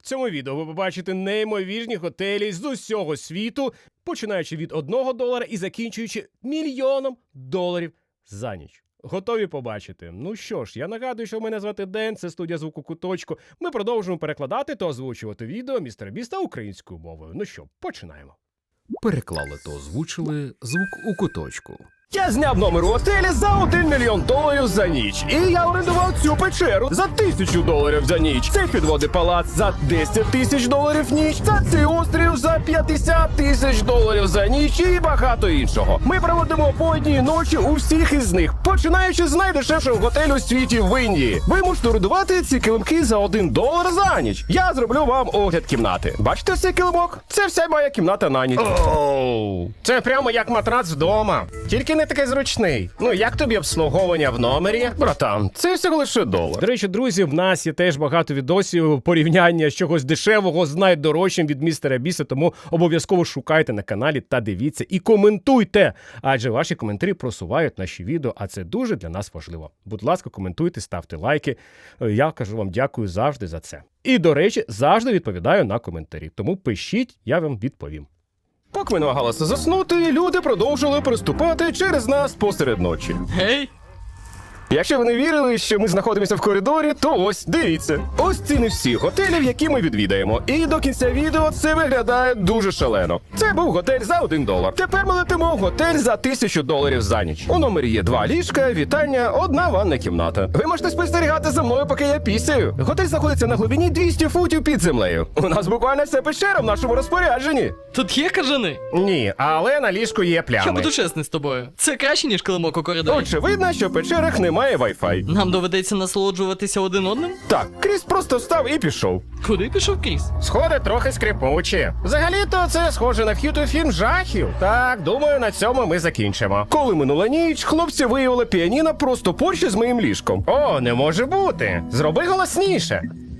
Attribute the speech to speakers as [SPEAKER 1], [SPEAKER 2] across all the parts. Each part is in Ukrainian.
[SPEAKER 1] В цьому відео ви побачите неймовірні готелі з усього світу, починаючи від $1 і закінчуючи $1 000 000 за ніч. Готові побачити? Ну що ж, я нагадую, що мене звати Ден, це студія звуку Куточку. Ми продовжуємо перекладати та озвучувати відео Містера Біста українською мовою. Ну що, починаємо.
[SPEAKER 2] Переклали та озвучили звук у куточку.
[SPEAKER 1] Я зняв номер у готелі за $1 мільйон за ніч. І я орендував цю печеру за $1000 за ніч. Цей підводний палац за $10 000 ніч. Та цей острів за $50 000 за ніч і багато іншого. Ми проводимо по одній ночі у всіх із них, починаючи з найдешевшого готелю у світі в Індії. Ви можете орендувати ці килимки за $1 за ніч. Я зроблю вам огляд кімнати. Бачите цей килимок? Це вся моя кімната на ніч. Оу, це прямо як матрац вдома. Тільки не такий зручний. Ну, як тобі обслуговування в номері? Братан, це всього лише $1. До речі, друзі, в нас є теж багато відосів порівняння чогось дешевого з найдорожчим від Містера Біста, тому обов'язково шукайте на каналі та дивіться і коментуйте, адже ваші коментарі просувають наші відео, а це дуже для нас важливо. Будь ласка, коментуйте, ставте лайки. Я кажу вам дякую завжди за це. І, до речі, завжди відповідаю на коментарі, тому пишіть, я вам відповім. Поки ми намагалися заснути, люди продовжили приступати через нас посеред ночі.
[SPEAKER 3] Гей!
[SPEAKER 1] Якщо ви не вірили, що ми знаходимося в коридорі, то ось, дивіться. Ось ціни всіх готелів, які ми відвідаємо. І до кінця відео це виглядає дуже шалено. Це був готель за $1. Тепер ми летимо в готель за $1000 за ніч. У номері є 2 ліжка, вітальня, 1 ванна кімната. Ви можете спостерігати за мною, поки я пісяю. Готель знаходиться на глибині 200 футів під землею. У нас буквально вся печера в нашому розпорядженні.
[SPEAKER 3] Тут є кажани?
[SPEAKER 1] Ні, але на ліжку є плями.
[SPEAKER 3] Я буду чесний з тобою. Це краще, ніж килимок у коридорі.
[SPEAKER 1] Очевидно, що в печерах немає Wi-Fi.
[SPEAKER 3] Нам доведеться насолоджуватися один одним?
[SPEAKER 1] Так, Кріс просто встав і пішов.
[SPEAKER 3] Куди пішов Кріс?
[SPEAKER 1] Сходи трохи скрипучі. Взагалі-то це схоже на вхід у фільм жахів. Так, думаю, на цьому ми закінчимо. Коли минула ніч, хлопці виявили піаніно просто поруч із моїм ліжком. О, не може бути. Зроби голосніше.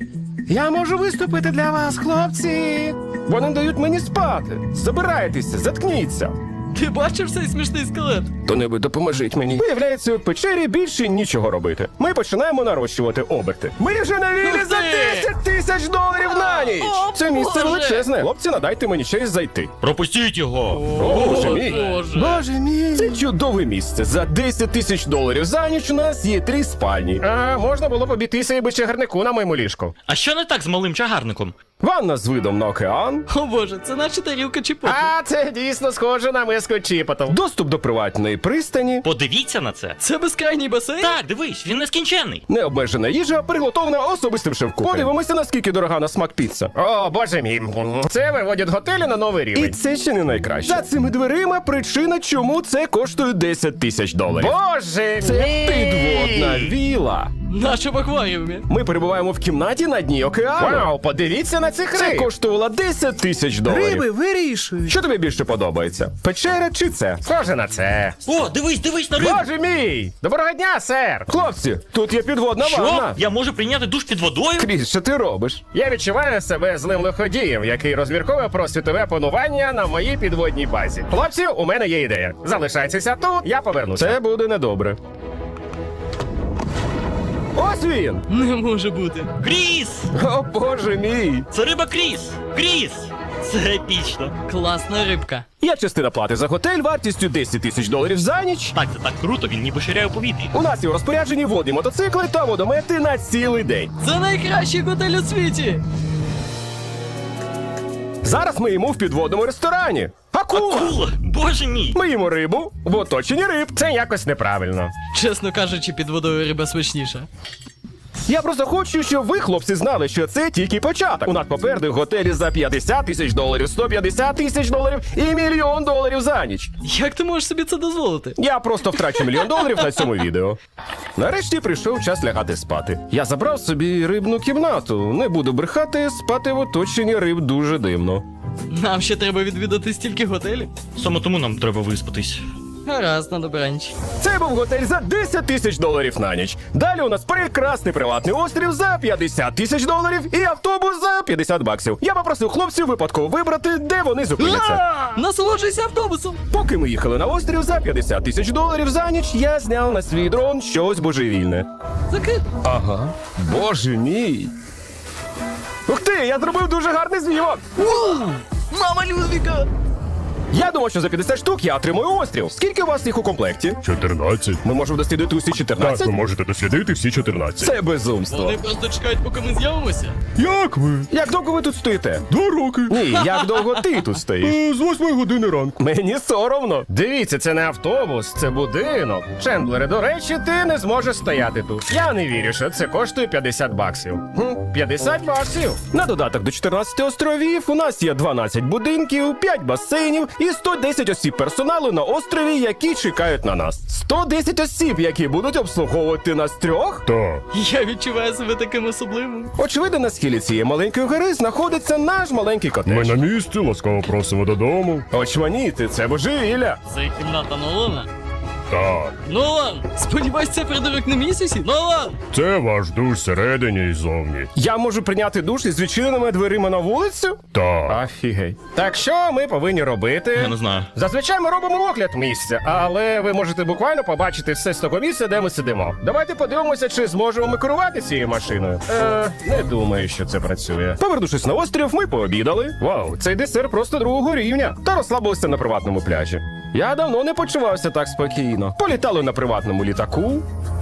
[SPEAKER 1] Я можу виступити для вас, хлопці. Вони дають мені спати. Забирайтеся, заткніться.
[SPEAKER 3] Ти бачив цей смішний скелет?
[SPEAKER 1] Хто-небудь допоможіть мені. Виявляється, у печері більше нічого робити. Ми починаємо нарощувати оберти. Ми вже на вілі за $10 000 на ніч!
[SPEAKER 3] О,
[SPEAKER 1] Це місце
[SPEAKER 3] Боже!
[SPEAKER 1] величезне. Хлопці, надайте мені щось зайти.
[SPEAKER 4] Пропустіть його!
[SPEAKER 1] О, Боже мій!
[SPEAKER 3] Боже.
[SPEAKER 1] Боже мій! Це чудове місце. За $10 000 за ніч у нас є 3 спальні. А можна було б обійтися і би чагарнику на моєму ліжку.
[SPEAKER 4] А що не так з малим чагарником?
[SPEAKER 1] Ванна з видом на океан.
[SPEAKER 3] О боже, це наче тарілка чіпоту.
[SPEAKER 1] А це дійсно схоже на миску чіпоту. Доступ до приватної пристані.
[SPEAKER 4] Подивіться на це.
[SPEAKER 3] Це безкрайній басейн?
[SPEAKER 4] Так, дивись, він нескінченний.
[SPEAKER 1] Необмежена їжа, приготована особистим шеф-кухарем. Подивимося, наскільки дорога на смак піца. О, боже мій. Це виводять готелі на новий рівень. І це ще не найкраще. За цими дверима причина, чому це коштує $10 000. Боже
[SPEAKER 4] Це
[SPEAKER 1] це підводна віла.
[SPEAKER 3] Наче в акваріумі.
[SPEAKER 1] Ми перебуваємо в кімнаті на дні океану. Вау, подивіться на цих риб. Це коштувало $10 000.
[SPEAKER 2] Риби вирішують.
[SPEAKER 1] Що тобі більше подобається? Печера чи це? Схоже на це.
[SPEAKER 4] О, дивись на рибу!
[SPEAKER 1] Боже мій! Доброго дня, сер! Хлопці, тут є підводна
[SPEAKER 4] Що?
[SPEAKER 1] ванна.
[SPEAKER 4] Я можу прийняти душ під водою?
[SPEAKER 1] Кріс, що ти робиш? Я відчуваю себе злим лиходієм, який розмірковує про світове панування на моїй підводній базі. Хлопці, у мене є ідея. Залишайтеся тут, я повернуся. Це буде недобре. Ось він!
[SPEAKER 3] Не може бути.
[SPEAKER 4] Кріс!
[SPEAKER 1] О, боже мій!
[SPEAKER 4] Це риба Кріс! Кріс! Це епічно.
[SPEAKER 3] Класна рибка.
[SPEAKER 1] Є частина плати за готель вартістю $10 000 за ніч.
[SPEAKER 4] Так, це так круто, він ніби ширяє у повітрі.
[SPEAKER 1] У нас є у розпорядженні водні мотоцикли та водомети на цілий день.
[SPEAKER 3] Це найкращий готель у світі.
[SPEAKER 1] Зараз ми їмо в підводному ресторані. Акула!
[SPEAKER 4] Акула! Боже мій!
[SPEAKER 1] Ми їмо рибу в оточенні риб. Це якось неправильно.
[SPEAKER 3] Чесно кажучи, під водою риба смачніша.
[SPEAKER 1] Я просто хочу, щоб ви, хлопці, знали, що це тільки початок. У нас попереду готелі за $50 000, $150 000 і $1 мільйон за ніч.
[SPEAKER 3] Як ти можеш собі це дозволити?
[SPEAKER 1] Я просто втрачу $1 мільйон на цьому відео. Нарешті прийшов час лягати спати. Я забрав собі рибну кімнату. Не буду брехати, спати в оточенні риб дуже дивно.
[SPEAKER 3] Нам ще треба відвідати стільки готелів.
[SPEAKER 4] Саме тому нам треба виспатись.
[SPEAKER 3] Гаразд, на добраніч.
[SPEAKER 1] Це був готель за $10 000 на ніч. Далі у нас прекрасний приватний острів за $50 000 і автобус за $50. Я попросив хлопців випадково вибрати, де вони зупиняться.
[SPEAKER 3] Насолоджуйся автобусом!
[SPEAKER 1] Поки ми їхали на острів за $50 000 за ніч, я зняв на свій дрон щось божевільне.
[SPEAKER 3] Закрито.
[SPEAKER 1] Ага. Боже мій. Ух ти, я зробив дуже гарний знімок!
[SPEAKER 3] Мама Людвіга!
[SPEAKER 1] Я думав, що за 50 штук я отримую острів. Скільки у вас їх у комплекті?
[SPEAKER 5] 14.
[SPEAKER 1] Ми можемо дослідити усі
[SPEAKER 5] Так,
[SPEAKER 1] 14?
[SPEAKER 5] ви можете дослідити всі 14.
[SPEAKER 1] Це безумство.
[SPEAKER 3] Вони просто чекають, поки ми з'явимося.
[SPEAKER 5] Як ви?
[SPEAKER 1] Як довго ви тут стоїте?
[SPEAKER 5] 2 роки.
[SPEAKER 1] Ні, як довго ти тут стоїш?
[SPEAKER 5] З 8 години ранку.
[SPEAKER 1] Мені соромно. Дивіться, це не автобус, це будинок. Чендлере, до речі, ти не зможеш стояти тут. Я не вірю, що це коштує 50 баксів. 50 баксів. На додаток до 14 островів у нас є 12 будинків, 5 басейнів і 110 осіб персоналу на острові, які чекають на нас. 110 осіб, які будуть обслуговувати нас трьох?
[SPEAKER 5] Так.
[SPEAKER 3] Я відчуваю себе таким особливим.
[SPEAKER 1] Очевидно, на схилі цієї маленької гори знаходиться наш маленький
[SPEAKER 5] Ми
[SPEAKER 1] котеж.
[SPEAKER 5] на місці, ласкаво просимо додому.
[SPEAKER 1] Очманіти, це божевілля.
[SPEAKER 3] Це кімната Нолана.
[SPEAKER 5] Так.
[SPEAKER 3] Нолан! Сподіваюсь, це придурок на місяці? Нолан!
[SPEAKER 5] Це ваш душ всередині і зовні.
[SPEAKER 1] Я можу прийняти душ із відчиненими дверима на вулицю?
[SPEAKER 5] Так.
[SPEAKER 1] Офігей. Так що ми повинні робити?
[SPEAKER 4] Я не знаю.
[SPEAKER 1] Зазвичай ми робимо огляд місця, але ви можете буквально побачити все з того місця, де ми сидимо. Давайте подивимося, чи зможемо ми керувати цією машиною. Не думаю, що це працює. Повернувшись на острів, ми пообідали. Вау, цей десерт просто другого рівня. Та розслабилися на приватному пляжі. Я давно не почувався так спокійно. Політали на приватному літаку.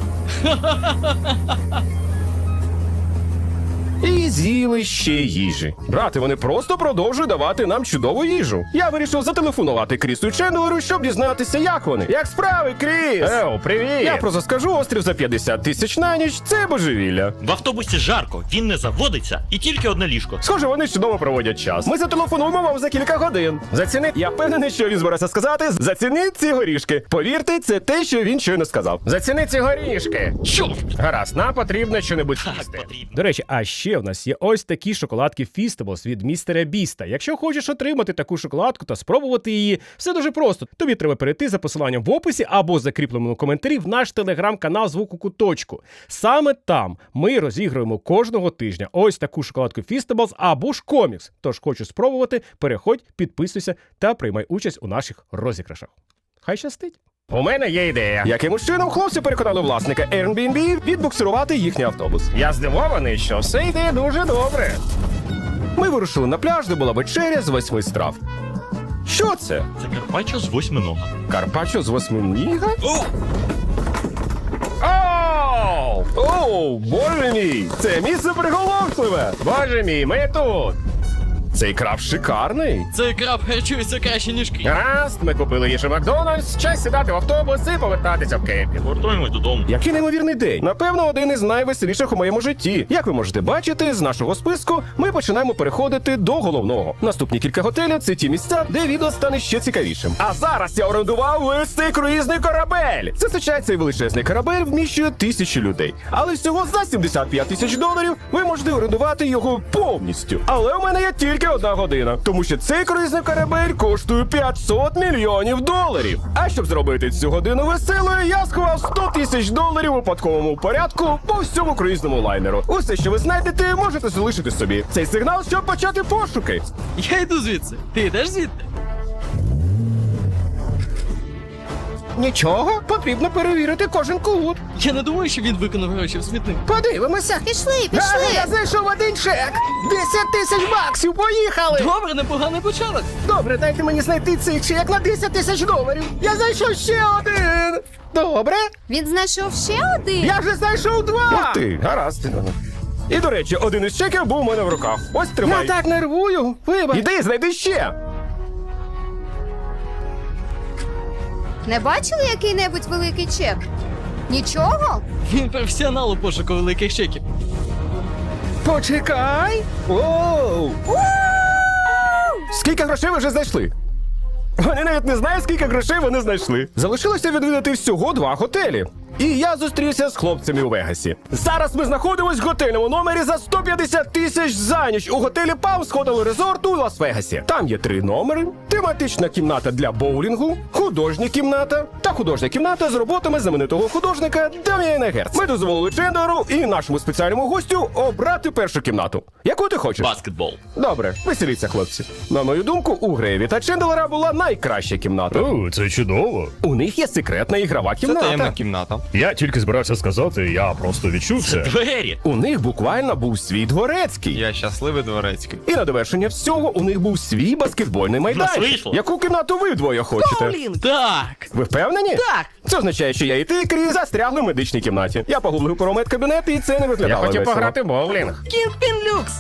[SPEAKER 1] І з'їли ще їжі. Брати, вони просто продовжують давати нам чудову їжу. Я вирішив зателефонувати Крісу і Чендлеру, щоб дізнатися, як вони. Як справи, Кріс? Еу, привіт! Я просто скажу, острів за 50 тисяч на ніч – це божевілля.
[SPEAKER 4] В автобусі жарко, він не заводиться і тільки одне ліжко.
[SPEAKER 1] Схоже, вони чудово проводять час. Ми зателефонуємо вам за кілька годин. Зацініть, я впевнений, що він збирався сказати. Зацініть ці горішки. Повірте, це те, що він щойно сказав. Зацініть ці горішки.
[SPEAKER 4] Чорт!
[SPEAKER 1] Гаразд, нам потрібно щонебудь їсти.
[SPEAKER 4] потрібно.
[SPEAKER 1] До речі, а ще в нас є ось такі шоколадки Feastables від містера Біста. Якщо хочеш отримати таку шоколадку та спробувати її, все дуже просто. Тобі треба перейти за посиланням в описі або закріпленому коментарі в наш телеграм-канал Звук у куточку. Саме там ми розігруємо кожного тижня ось таку шоколадку Feastables або ж комікс. Тож хочеш спробувати, переходь, підписуйся та приймай участь у наших розіграшах. Хай щастить! У мене є ідея. Якимось чином хлопці переконали власника Airbnb відбуксирувати їхній автобус. Я здивований, що все йде дуже добре. Ми вирушили на пляж, де була вечеря з 8 страв. Що це?
[SPEAKER 4] Це карпаччо з 8 нога.
[SPEAKER 1] Карпаччо з 8 ніга? Оу! Оу, боже мій! Це місце приголомшливе! Боже мій, ми тут! Цей краб шикарний.
[SPEAKER 3] Цей краб харчується краще, ніж кіт.
[SPEAKER 1] Гаразд, ми купили їжу Макдональдс, час сідати в автобус і повертатися в кемпінг.
[SPEAKER 4] Повертаємось додому.
[SPEAKER 1] Який неймовірний день. Напевно, один із найвеселіших у моєму житті. Як ви можете бачити, з нашого списку ми починаємо переходити до головного. Наступні кілька готелів – це ті місця, де відео стане ще цікавішим. А зараз я орендував весь цей круїзний корабель. Зазвичай цей величезний корабель вміщує 1000 людей. Але всього за 75 тисяч доларів ви можете орендувати його повністю. Але у мене є тільки одна година, тому що цей круїзний корабель коштує 500 мільйонів доларів. А щоб зробити цю годину веселою, я сховав 100 тисяч доларів у випадковому порядку по всьому круїзному лайнеру. Усе, що ви знайдете, можете залишити собі. Цей сигнал, щоб почати пошуки.
[SPEAKER 3] Я йду звідси. Ти йдеш звідти?
[SPEAKER 1] Нічого, потрібно перевірити кожен кут.
[SPEAKER 3] Я не думаю, що він виконав гроші в смітник.
[SPEAKER 1] Подивимося.
[SPEAKER 6] Пішли,
[SPEAKER 1] Я
[SPEAKER 6] пішли.
[SPEAKER 1] знайшов один чек. 10 тисяч баксів, поїхали.
[SPEAKER 3] Добре, непоганий початок.
[SPEAKER 1] Добре, дайте мені знайти цей чек на 10 тисяч доларів. Я знайшов ще один. Добре.
[SPEAKER 6] Він знайшов ще один.
[SPEAKER 1] Я вже знайшов 2! Ух ти, гаразд. І, до речі, один із чеків був у мене в руках. Ось тримай. Я так нервую. Вибач. Іди, знайди ще.
[SPEAKER 6] Не бачили який-небудь великий чек? Нічого?
[SPEAKER 3] Він професіонал у пошуку великих чеків.
[SPEAKER 1] Почекай. Оу. Скільки грошей ви вже знайшли? Вони навіть не знають, скільки грошей вони знайшли. Залишилося відвідати всього 2 готелі. І я зустрівся з хлопцями у Вегасі. Зараз ми знаходимось в готельному номері за 150 тисяч за ніч у готелі Palms Hotel Resort у Лас-Вегасі. Там є 3 номери, тематична кімната для боулінгу, художня кімната та художня кімната з роботами знаменитого художника Дам'єна Герца. Ми дозволили Чендлеру і нашому спеціальному гостю обрати першу кімнату. Яку ти хочеш?
[SPEAKER 4] Баскетбол.
[SPEAKER 1] Добре, веселіться, хлопці. На мою думку, у Грейві та Чендлера була найкраща кімната.
[SPEAKER 5] О, це чудово.
[SPEAKER 1] У них є секретна ігрова кімната.
[SPEAKER 7] кімната.
[SPEAKER 5] Я тільки збирався сказати, я просто відчув це.
[SPEAKER 4] Двері.
[SPEAKER 1] У них буквально був свій дворецький.
[SPEAKER 7] Я щасливий дворецький.
[SPEAKER 1] І на довершення всього у них був свій баскетбольний майданчик.
[SPEAKER 4] вийшло.
[SPEAKER 1] Яку кімнату ви вдвоє хочете?
[SPEAKER 3] Блін, так.
[SPEAKER 1] Ви впевнені?
[SPEAKER 3] Так.
[SPEAKER 1] Це означає, що я і ти, Кріс, застрягли в медичній кімнаті. Я погуглив про медкабінет, і це не виглядало весело.
[SPEAKER 5] в боулінг.
[SPEAKER 3] Кінг-пін люкс.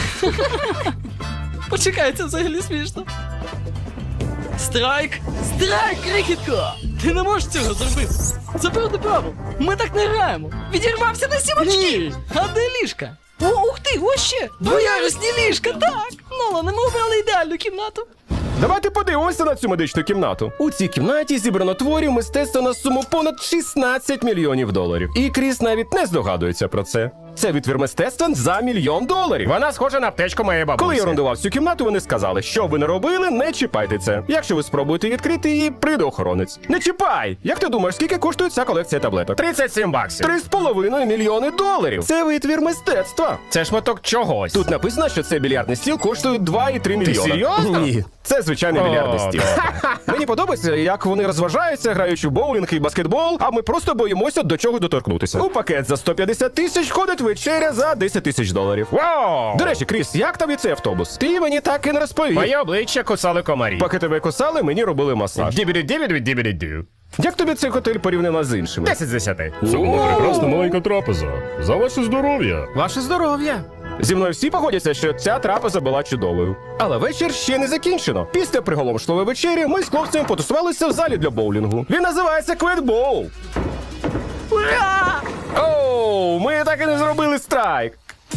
[SPEAKER 3] Почекай, це взагалі смішно. Страйк! Страйк, крихітко! Ти не можеш цього зробити. Це проти правил. Ми так не граємо. Відірвався на 7 очків. Ні. А де ліжка? О, ух ти, ось ще! Двоярусні ліжка, так! Нолане, ми обрали ідеальну кімнату.
[SPEAKER 1] Давайте подивимося на цю медичну кімнату. У цій кімнаті зібрано творів мистецтва на суму понад 16 мільйонів доларів. І Кріс навіть не здогадується про це. Це витвір мистецтва за $1 мільйон.
[SPEAKER 5] Вона схожа на аптечку моєї бабусі.
[SPEAKER 1] Коли я орендував цю кімнату, вони сказали, що б ви не робили, не чіпайте це. Якщо ви спробуєте відкрити її, прийде охоронець. Не чіпай! Як ти думаєш, скільки коштує ця колекція таблеток?
[SPEAKER 5] 37 баксів.
[SPEAKER 1] 3,5 мільйони доларів. Це витвір мистецтва.
[SPEAKER 5] Це шматок чогось.
[SPEAKER 1] Тут написано, що цей більярдний стіл коштує 2,3 мільйона.
[SPEAKER 5] серйозно?
[SPEAKER 1] Ні, це звичайний більярдний
[SPEAKER 5] О,
[SPEAKER 1] стіл. Мені подобається, як вони розважаються, граючи в боулінг і баскетбол, а ми просто боїмося до чого доторкнутися. У пакет за 150 тисяч входить вечеря за 10 тисяч доларів.
[SPEAKER 5] Вау!
[SPEAKER 1] До речі, Кріс, як тобі цей автобус? Ти мені так і не розповів.
[SPEAKER 5] Моє обличчя кусали комарі.
[SPEAKER 1] Поки тебе кусали, мені робили масаж.
[SPEAKER 5] Дібіді-дібіді-дібіді-дю.
[SPEAKER 1] Як тобі цей готель порівняно з іншими?
[SPEAKER 5] 10 з 10. Це була прекрасна маленька трапеза. За ваше здоров'я.
[SPEAKER 1] Ваше здоров'я! Зі мною всі погодяться, що ця трапеза була чудовою. Але вечір ще не закінчено. Після приголомшливої вечері ми з хлопцями потусувалися в залі для боулінгу. Він називається Кведбоул.
[SPEAKER 3] Ура!
[SPEAKER 1] Оу, ми так і не зробили страйк.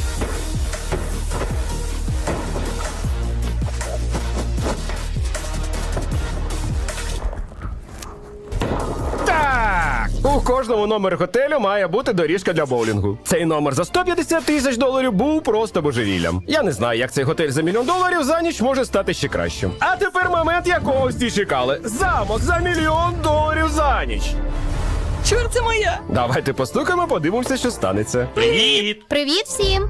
[SPEAKER 1] Так! У кожному номері готелю має бути доріжка для боулінгу. Цей номер за 150 тисяч доларів був просто божевіллям. Я не знаю, як цей готель за $1 мільйон за ніч може стати ще кращим. А тепер момент, якого всі чекали. Замок за $1 мільйон за ніч.
[SPEAKER 3] Чорт, це моя!
[SPEAKER 1] Давайте постукаємо, подивимося, що станеться.
[SPEAKER 4] Привіт.
[SPEAKER 6] Привіт всім!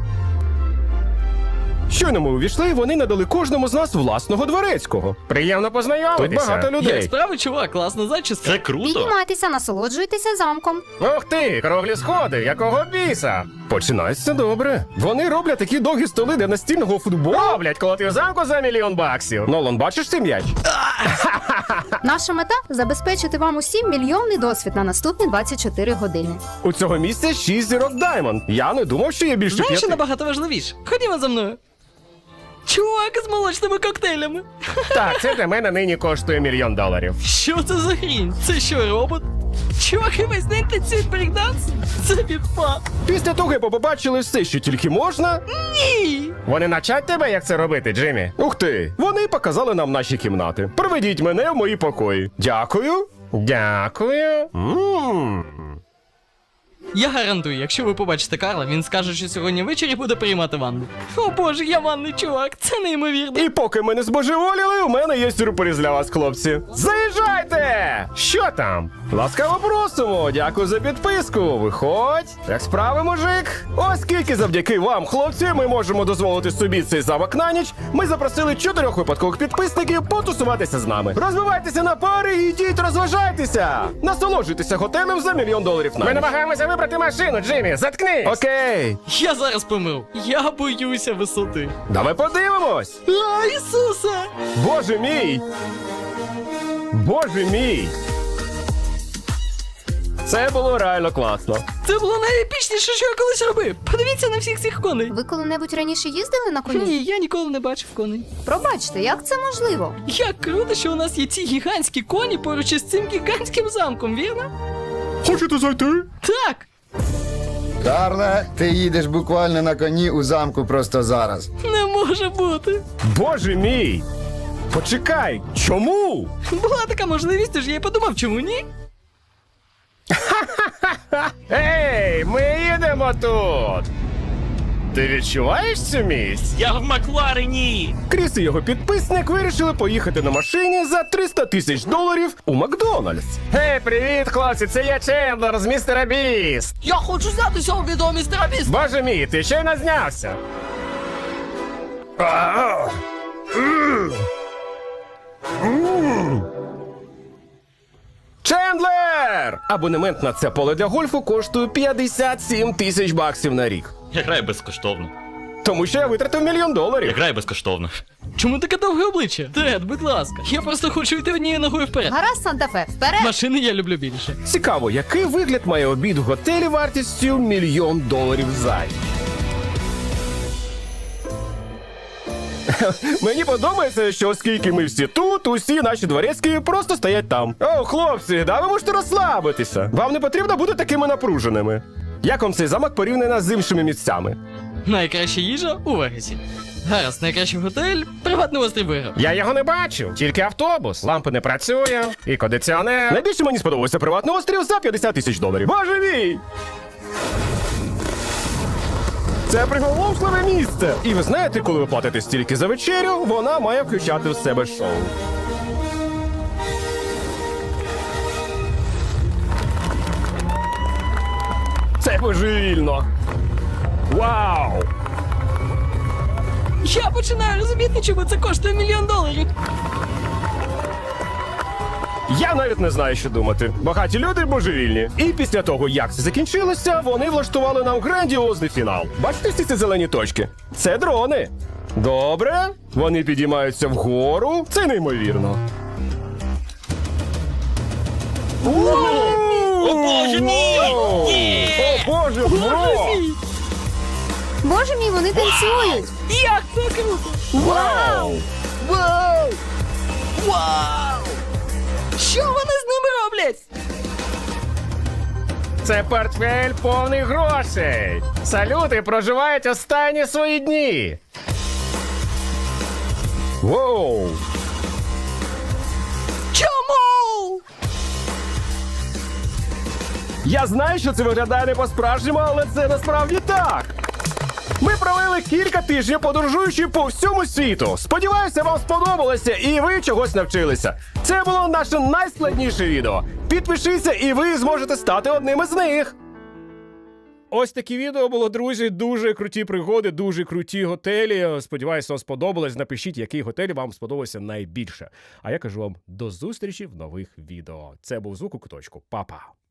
[SPEAKER 1] Щойно ми увійшли, вони надали кожному з нас власного дворецького.
[SPEAKER 5] Приємно познайомитися.
[SPEAKER 1] Тут багато
[SPEAKER 3] Як
[SPEAKER 1] людей.
[SPEAKER 3] справи, чувак, класна зачіска.
[SPEAKER 4] Це круто.
[SPEAKER 6] Піднімайтеся, насолоджуйтеся замком.
[SPEAKER 5] Ух ти, круглі сходи, якого біса?
[SPEAKER 1] Починається добре. Вони роблять такі довгі столи для настільного футболу.
[SPEAKER 5] Роблять, коли ти в замку за $1 мільйон.
[SPEAKER 1] Нолан, бачиш цей м'яч?
[SPEAKER 6] Наша мета забезпечити вам усім мільйонний досвід на наступні 24 години.
[SPEAKER 1] У цього місця 6 зірок Даймонд. Я не думав, що є більше
[SPEAKER 3] Знаєш, що
[SPEAKER 1] 5.
[SPEAKER 3] набагато важливіше? Ходімо за мною. Чувак з молочними коктейлями.
[SPEAKER 5] Так, це для мене нині коштує $1 мільйон.
[SPEAKER 3] Що це за хрінь? Це що, робот? Чуваки, весь день танцюють брейкданс? Це підпа.
[SPEAKER 1] Після того, як побачили все, що тільки можна.
[SPEAKER 3] Ні!
[SPEAKER 5] Вони навчать тебе, як це робити, Джиммі?
[SPEAKER 1] Ух ти! Вони показали нам наші кімнати. Проведіть мене в мої покої. Дякую.
[SPEAKER 5] Дякую.
[SPEAKER 3] Я гарантую, якщо ви побачите Карла, він скаже, що сьогодні ввечері буде приймати ванну. О боже, я ванний чувак, це неймовірно.
[SPEAKER 1] І поки ми не збожеволіли, у мене є сюрприз для вас, хлопці. Заїжджайте!
[SPEAKER 5] Що там?
[SPEAKER 1] Ласкаво просимо! Дякую за підписку. Виходь. Як справи, мужик? Оскільки завдяки вам, хлопці, ми можемо дозволити собі цей замок на ніч, ми запросили 4 випадкових підписників потусуватися з нами. Розбивайтеся на пари і йдіть розважайтеся! Насолоджуйтеся готелем за $1 мільйон на
[SPEAKER 5] Ми
[SPEAKER 1] ніч.
[SPEAKER 5] намагаємося вибрати машину, Джиммі. Заткнись.
[SPEAKER 1] Окей,
[SPEAKER 3] Я зараз помру. Я боюся висоти.
[SPEAKER 1] давай подивимось.
[SPEAKER 3] А, Ісусе!
[SPEAKER 1] Боже мій! Боже мій! Це було реально класно.
[SPEAKER 3] Це було найепічніше, що я колись робив. Подивіться на всіх цих коней.
[SPEAKER 6] Ви коли-небудь раніше їздили на коні?
[SPEAKER 3] Ні, я ніколи не бачив коней.
[SPEAKER 6] Пробачте, як це можливо?
[SPEAKER 3] Як круто, що у нас є ці гігантські коні поруч із цим гігантським замком, вірно?
[SPEAKER 5] Хочете зайти?
[SPEAKER 3] Так!
[SPEAKER 8] Карле, ти їдеш буквально на коні у замку просто зараз.
[SPEAKER 3] Не може бути.
[SPEAKER 1] Боже мій! Почекай, чому?
[SPEAKER 3] Була така можливість, тож я й подумав, чому ні?
[SPEAKER 5] Ей, ми їдемо тут. Ти відчуваєш цю місць?
[SPEAKER 4] Я в Макларені.
[SPEAKER 1] Кріс і його підписник вирішили поїхати на машині за $300 тисяч у Макдональдс.
[SPEAKER 5] Гей, привіт, хлопці, це я Чендлер з містера Біст.
[SPEAKER 3] Я хочу знятися у відео містера Біст.
[SPEAKER 5] Боже мій, ти щойно знявся.
[SPEAKER 1] Чендлер! Абонемент на це поле для гольфу коштує 57 тисяч баксів на рік.
[SPEAKER 4] Я граю безкоштовно.
[SPEAKER 1] Тому що я витратив $1 мільйон.
[SPEAKER 4] Я граю безкоштовно.
[SPEAKER 3] Чому таке довге обличчя? Тред, будь ласка. Я просто хочу йти однією ногою вперед.
[SPEAKER 6] Гаразд, Санта-Фе, вперед!
[SPEAKER 3] Машини я люблю більше.
[SPEAKER 1] Цікаво, який вигляд має обід в готелі вартістю $1 мільйон за ніч? Мені подобається, що оскільки ми всі тут, усі наші дворецькі просто стоять там. О, хлопці, да ви можете розслабитися. Вам не потрібно бути такими напруженими. Як вам цей замок порівняно з іншими місцями?
[SPEAKER 3] Найкраща їжа у Вегасі. Гаразд, найкращий готель, приватний острів виграв.
[SPEAKER 1] Я його не бачу, тільки автобус, лампи не працює, і кондиціонер. Найбільше мені сподобався приватний острів за $50 тисяч. Боже мій! Це приголомшливе місце. І ви знаєте, коли ви платите стільки за вечерю, вона має включати в себе шоу. Це божевільно. Вау!
[SPEAKER 3] Я починаю розуміти, чому це коштує $1 мільйон.
[SPEAKER 1] Я навіть не знаю, що думати. Багаті люди божевільні. І після того, як це закінчилося, вони влаштували нам грандіозний фінал. Бачите всі ці зелені точки? Це дрони. Добре. Вони підіймаються вгору. Це неймовірно.
[SPEAKER 4] О, Боже мій! Є!
[SPEAKER 1] О, Боже, бро!
[SPEAKER 6] Боже мій, вони танцюють!
[SPEAKER 3] Як це круто!
[SPEAKER 1] Вау!
[SPEAKER 3] Вау! Вау! Що вони з ними роблять?
[SPEAKER 1] Це портфель повний грошей. Салюти проживають останні свої дні. Воу!
[SPEAKER 3] Чому?
[SPEAKER 1] Я знаю, що це виглядає не по-справжньому, але це насправді так. Ми провели кілька тижнів, подорожуючи по всьому світу. Сподіваюся, вам сподобалося і ви чогось навчилися. Це було наше найскладніше відео. Підпишіться і ви зможете стати одним із них. Ось такі відео було, друзі. Дуже круті пригоди, дуже круті готелі. Сподіваюся, вам сподобалось. Напишіть, який готель вам сподобався найбільше. А я кажу вам до зустрічі в нових відео. Це був Звук у куточку. Па-па.